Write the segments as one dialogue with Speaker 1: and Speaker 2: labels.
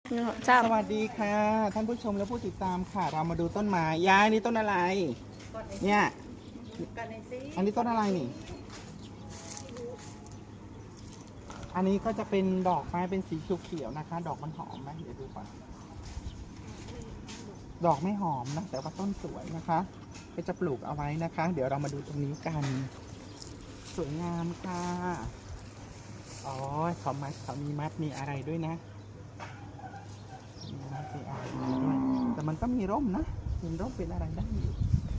Speaker 1: จ้า
Speaker 2: สวัสดีค่ะ ท่านผู้ชมและผู้ติดตามค่ะ เรามาดูต้นไม้ยายนี่ต้นอะไร เนี่ยอันนี้ต้นอะไรนี่ อันนี้ก็จะเป็นดอกไม้เป็นสีเขียวๆนะคะ ดอกมันหอมไหมเดี๋ยวดูก่อนดอกไม่หอมนะแต่ว่าต้นสวยนะคะก็จะปลูกเอาไว้นะคะ เดี๋ยวเรามาดูตรงนี้กัน สวยงามค่ะอ๋อเขามีมัดมีอะไรด้วยนะมีมัดมีอะไรด้วยแต่มันก็มีร่มนะเป็นร่มเป็นอะไรได้อยู่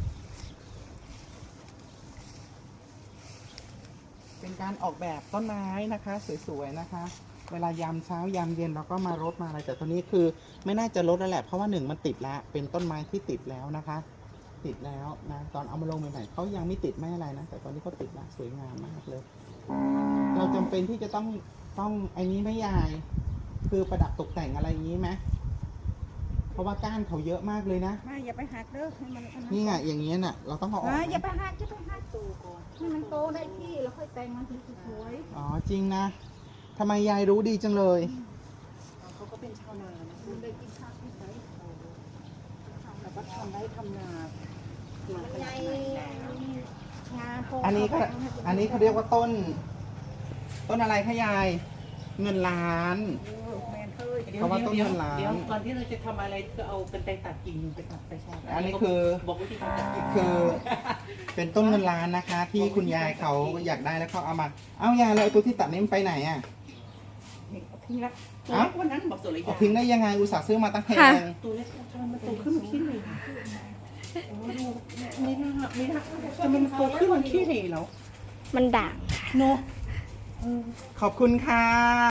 Speaker 2: เป็นการออกแบบต้นไม้นะคะสวยๆนะคะ เวลายามเช้ายามเย็นเราก็มารดมาอะไรแต่ตัวนี้คือไม่น่าจะรดแล้วแหละเพราะว่าหนึ่งมันติดแล้วเป็นต้นไม้ที่ติดแล้วนะคะ ติดแล้วนะตอนเอามาลงใหม่ๆเขายังไม่ติดไม่อะไรนะแต่ตอนนี้เขาติดแล้วสวยงามมากเลย เราจำเป็นที่จะต้องไอ้นี้ไม่ยายคือประดับตกแต่งอะไรอย่างนี้ไหมเพราะว่าก้านเขาเยอะมากเลยนะ
Speaker 3: ไม่อย่าไปหักเด้อให้มัน
Speaker 2: นี่ไงอย่างนี้น่ะเราต้องเอาออก
Speaker 3: อย่าไปหักโตก่อนให้มันโตได้ที่แล้วค่อยแต่งมันถึงสวย
Speaker 2: อ๋อจริงนะทำไมยายรู้ดีจังเลย
Speaker 3: เขาก็เป็นชาวนานะคุณได้กินข้าวที่ไหนแล้วก็ทำได้ทำนาใหญ่งาโค
Speaker 2: อันนี้เขาเรียกว่าต้นอะไรคะยายเงินล้าน
Speaker 3: แมนเคย
Speaker 2: เพราะว่าต้นเงินล้าน
Speaker 4: เดี๋ยวก่อนที่เราจะทำอะไรก็เอากันไกรตัดกิ่งไปตัดไปใช่
Speaker 2: อันนี้คือ
Speaker 4: บอกวิธีการตัดกิ่ง
Speaker 2: คือเป็นต้นเงินล้านนะคะ ที่คุณยายเขาอยากได้แล้วเขาเอามาเอ้ายายแล้วไอ้ตัวที่ตัดนี้มันไปไหนอ่ะ
Speaker 4: ทิ้งละตัวเล็กวันนั้นบอกตัวเล็ก
Speaker 2: เอาทิ้งได้ยังไงอุตส่าห์ซื้อมาตั้งแพง
Speaker 4: ตัวเล็กทำไมมันโตขึ้นมันขี้เหร่โอ้ดูไม่น่าทำไมมันโตขึ้นมันขี้เหร่แล้ว
Speaker 1: มันด่าง
Speaker 4: เนาะ
Speaker 2: ขอบคุณค่ะ